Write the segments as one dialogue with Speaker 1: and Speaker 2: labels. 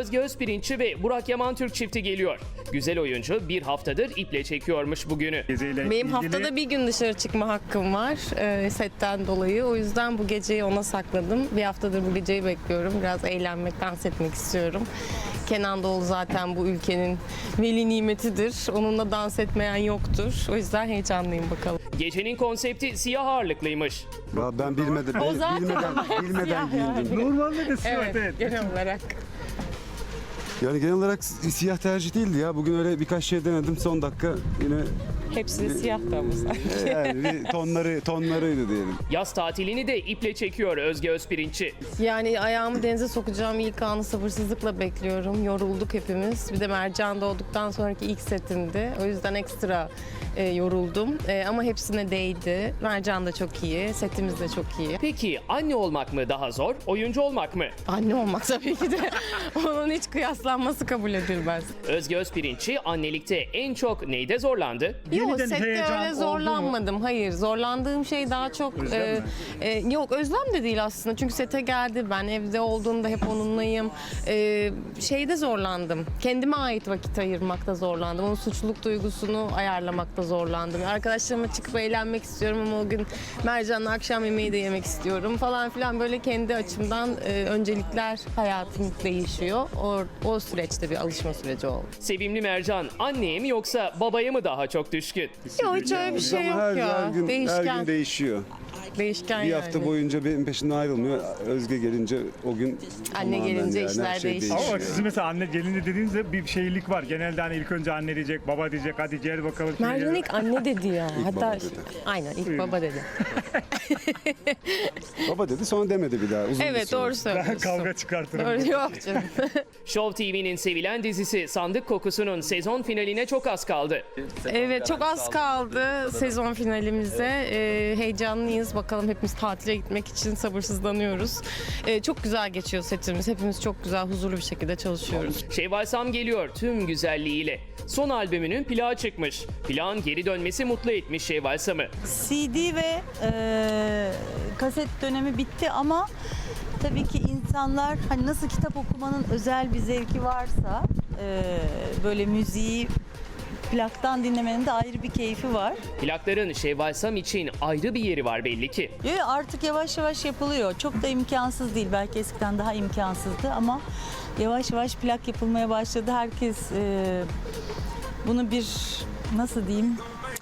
Speaker 1: Özge Özpirinççi ve Burak Yaman Türk çifti geliyor. Güzel oyuncu bir haftadır iple çekiyormuş bugünü.
Speaker 2: Benim haftada bir gün dışarı çıkma hakkım var setten dolayı. O yüzden bu geceyi ona sakladım. Bir haftadır bu geceyi bekliyorum. Biraz eğlenmek, dans etmek istiyorum. Kenan Doğulu zaten bu ülkenin veli nimetidir. Onunla dans etmeyen yoktur. O yüzden heyecanlıyım bakalım.
Speaker 1: Gecenin konsepti siyah ağırlıklıymış.
Speaker 3: Ya ben bilmedim.
Speaker 2: O zaten
Speaker 3: Bilmeden
Speaker 2: siyah
Speaker 3: giyindim.
Speaker 4: Normalde de siyah,
Speaker 2: Evet, genel olarak.
Speaker 3: Yani genel olarak siyah tercih değildi ya. Bugün öyle birkaç şey denedim. Son dakika yine
Speaker 2: Hepsi de siyahtı ama sanki.
Speaker 3: yani bir tonlarıydı diyelim.
Speaker 1: Yaz tatilini de iple çekiyor Özge Özpirinççi.
Speaker 2: Yani ayağımı denize sokacağım ilk anı sabırsızlıkla bekliyorum. Yorulduk hepimiz. Bir de Mercan doğduktan sonraki ilk setimdi. O yüzden ekstra yoruldum. Ama hepsine değdi. Mercan da çok iyi. Setimiz de çok iyi.
Speaker 1: Peki anne olmak mı daha zor, oyuncu olmak mı?
Speaker 2: Anne olmak tabii ki de. Onun hiç kıyaslanması kabul edilmez.
Speaker 1: Özge Özpirinççi annelikte en çok neyde zorlandı?
Speaker 2: Yok,
Speaker 4: Yeniden
Speaker 2: sette
Speaker 4: heyecan
Speaker 2: öyle
Speaker 4: oldu
Speaker 2: zorlanmadım. Hayır, zorlandığım şey daha çok...
Speaker 4: Özlem mi?
Speaker 2: Yok, özlem de değil aslında. Çünkü sete geldi. Ben evde olduğumda hep onunlayım. Şeyde zorlandım. Kendime ait vakit ayırmakta zorlandım. Onun suçluluk duygusunu ayarlamakta zorlandım. Arkadaşlarıma çıkıp eğlenmek istiyorum ama o gün Mercan'la akşam yemeği de yemek istiyorum falan filan. Böyle kendi açımdan öncelikler hayatım değişiyor. O süreçte bir alışma süreci oldu.
Speaker 1: Sevimli Mercan anneye mi yoksa babaya mı daha çok düşkün?
Speaker 2: Yok, hiç öyle bir şey
Speaker 3: Ama
Speaker 2: yok ya.
Speaker 3: her gün
Speaker 2: Değişken.
Speaker 3: değişiyor.
Speaker 2: Değişken
Speaker 3: Bir
Speaker 2: yani.
Speaker 3: hafta boyunca benim peşimden ayrılmıyor. Özge gelince o gün
Speaker 2: Anne
Speaker 3: tamamen
Speaker 2: gelince
Speaker 3: yani
Speaker 2: işler
Speaker 3: her şey
Speaker 2: değişiyor.
Speaker 4: Ama bak sizin mesela anne gelince dediğinizde bir şeylik var. Genelde hani ilk önce anne diyecek, baba diyecek, hadi gel bakalım.
Speaker 2: Mercan ilk anne dedi ya. Hatta
Speaker 3: baba dedi.
Speaker 2: aynen ilk baba dedi.
Speaker 3: Baba dedi sonra demedi bir daha. Uzun bir
Speaker 2: Evet,
Speaker 3: süre.
Speaker 2: doğru söylüyorsun.
Speaker 4: Kavga çıkartırım.
Speaker 2: Doğru, yok canım.
Speaker 1: Show TV'nin sevilen dizisi Sandık Kokusu'nun sezon finaline çok az kaldı.
Speaker 2: Evet, çok az kaldı sezon finalimize. Heyecanlıyız. Bakalım, hepimiz tatile gitmek için sabırsızlanıyoruz. Çok güzel geçiyor setimiz. Hepimiz çok güzel, huzurlu bir şekilde çalışıyoruz.
Speaker 1: Şevval Sam geliyor tüm güzelliğiyle. Son albümünün plağı çıkmış. Plağın geri dönmesi mutlu etmiş Şevval Sam'ı.
Speaker 5: CD ve kaset dönemi bitti ama tabii ki insanlar hani nasıl kitap okumanın özel bir zevki varsa böyle müziği plaktan dinlemenin de ayrı bir keyfi var.
Speaker 1: Plakların Şevval Sam için ayrı bir yeri var belli ki.
Speaker 5: Artık yavaş yavaş yapılıyor. Çok da imkansız değil. Belki eskiden daha imkansızdı ama yavaş yavaş plak yapılmaya başladı. Herkes bunu bir nasıl diyeyim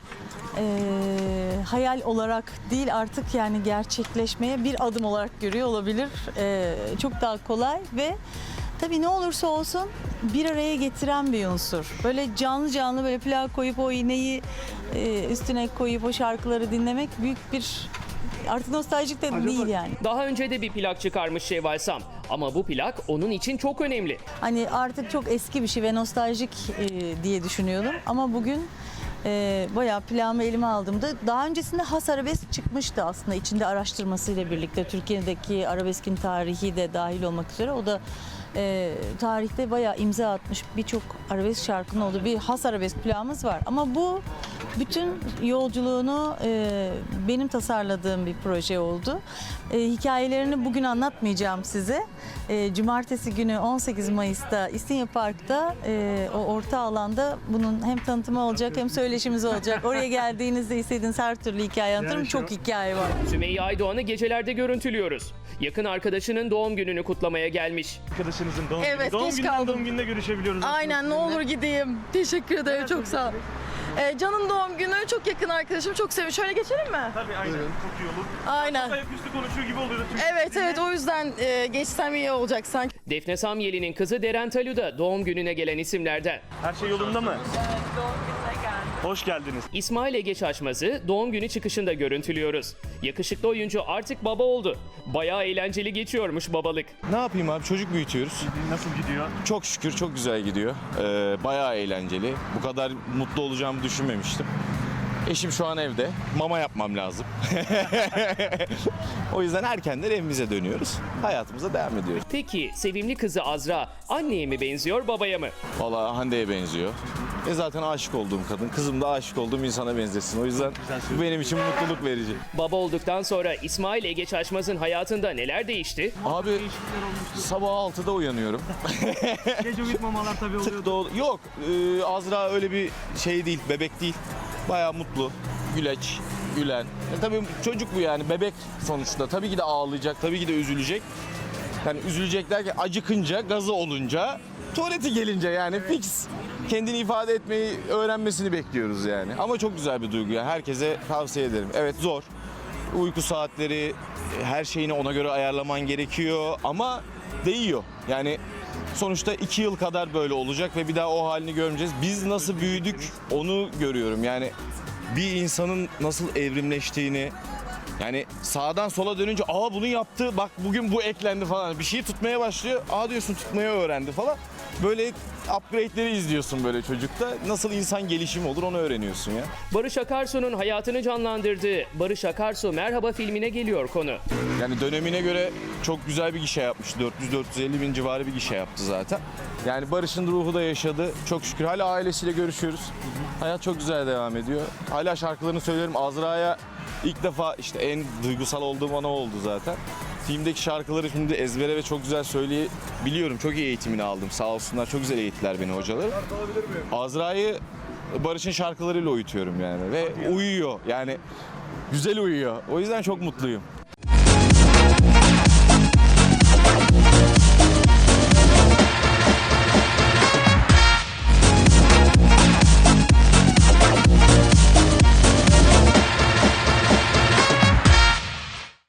Speaker 5: hayal olarak değil artık yani gerçekleşmeye bir adım olarak görüyor olabilir. Çok daha kolay ve tabii ne olursa olsun bir araya getiren bir unsur. Böyle canlı canlı böyle plak koyup o iğneyi üstüne koyup o şarkıları dinlemek büyük bir artık nostaljik de değil yani.
Speaker 1: Daha önce de bir plak çıkarmış Şevval Sam. Ama bu plak onun için çok önemli.
Speaker 5: Hani artık çok eski bir şey ve nostaljik diye düşünüyordum ama bugün bayağı plağımı elime aldığımda daha öncesinde Has Arabesk çıkmıştı aslında içinde araştırmasıyla birlikte Türkiye'deki arabeskin tarihi de dahil olmak üzere o da tarihte bayağı imza atmış birçok arabesk şarkının olduğu bir Has Arabesk plağımız var ama bu bütün yolculuğunu benim tasarladığım bir proje oldu. Hikayelerini bugün anlatmayacağım size. Cumartesi günü 18 Mayıs'ta İstinye Park'ta o orta alanda bunun hem tanıtımı olacak hem söyleşimiz olacak. Oraya geldiğinizde istediğiniz her türlü hikaye anlatırım.
Speaker 4: Yani
Speaker 5: Çok hikaye var.
Speaker 1: Sümeyye Aydoğan'ı gecelerde görüntülüyoruz. Yakın arkadaşının doğum gününü kutlamaya gelmiş.
Speaker 4: Arkadaşınızın doğum
Speaker 2: Evet,
Speaker 4: günü.
Speaker 2: geç kaldım.
Speaker 4: Doğum gününde görüşebiliyoruz.
Speaker 2: Aynen, ne olur gideyim. Teşekkür ederim, çok sağ ol. Can'ın doğum günü, çok yakın arkadaşım, çok seviyorum. Şöyle geçelim mi?
Speaker 4: Tabii aynen. Çok iyi olur.
Speaker 2: Aynen.
Speaker 4: Ayaküstü konuşuyor gibi oluyordu.
Speaker 2: Evet, o yüzden geçsem iyi olacak sanki.
Speaker 1: Defne Samyeli'nin kızı Deren Talu da doğum gününe gelen isimlerden.
Speaker 4: Her şey yolunda mı? Hoş geldiniz.
Speaker 1: İsmail Ege Şaşmaz'ı doğum günü çıkışında görüntülüyoruz. Yakışıklı oyuncu artık baba oldu. Bayağı eğlenceli geçiyormuş babalık.
Speaker 6: Ne yapayım abi, çocuk büyütüyoruz.
Speaker 4: Nasıl gidiyor?
Speaker 6: Çok şükür çok güzel gidiyor. Bayağı eğlenceli. Bu kadar mutlu olacağımı düşünmemiştim. Eşim şu an evde. Mama yapmam lazım. O yüzden erkenden evimize dönüyoruz. Hayatımıza devam ediyoruz.
Speaker 1: Peki sevimli kızı Azra anneye mi benziyor babaya mı?
Speaker 6: Vallahi Hande'ye benziyor. Ve zaten aşık olduğum kadın. Kızım da aşık olduğum insana benzesin. O yüzden bu benim için mutluluk verici.
Speaker 1: Baba olduktan sonra İsmail Ege Çaşmaz'ın hayatında neler değişti?
Speaker 6: Abi sabah 6'da uyanıyorum.
Speaker 4: Gece uyutmamalar tabii oluyor.
Speaker 6: Yok Azra öyle bir şey değil, bebek değil. Bayağı mutlu, güleç, gülen. Tabii çocuk bu yani, bebek sonuçta. Tabii ki de ağlayacak, tabii ki de üzülecek. Yani üzülecek derken acıkınca, gazı olunca, tuvaleti gelince yani fix. Kendini ifade etmeyi öğrenmesini bekliyoruz yani. Ama çok güzel bir duygu yani. Herkese tavsiye ederim. Evet zor. Uyku saatleri, her şeyini ona göre ayarlaman gerekiyor ama değiyor. Yani sonuçta 2 yıl kadar böyle olacak ve bir daha o halini görmeyeceğiz. Biz nasıl büyüdük onu görüyorum. Yani bir insanın nasıl evrimleştiğini, yani sağdan sola dönünce aa bunu yaptı bak bugün bu eklendi falan. Bir şeyi tutmaya başlıyor. Aa diyorsun tutmayı öğrendi falan. Böyle upgrade'leri izliyorsun böyle çocukta. Nasıl insan gelişimi olur onu öğreniyorsun ya.
Speaker 1: Barış Akarsu'nun hayatını canlandırdığı Barış Akarsu Merhaba filmine geliyor konu.
Speaker 6: Yani dönemine göre çok güzel bir gişe yapmış. 400-450 bin civarı bir gişe yaptı zaten. Yani Barış'ın ruhu da yaşadı. Çok şükür hala ailesiyle görüşüyoruz. Hayat çok güzel devam ediyor. Hala şarkılarını söylerim. Azra'ya ilk defa işte en duygusal olduğum ana oldu zaten. Filmdeki şarkıları şimdi ezbere ve çok güzel söyleyebiliyorum. Çok iyi eğitimini aldım. Sağ olsunlar çok güzel eğittiler beni hocalar. Azra'yı Barış'ın şarkılarıyla uyutuyorum yani ve uyuyor. Yani güzel uyuyor. O yüzden çok mutluyum.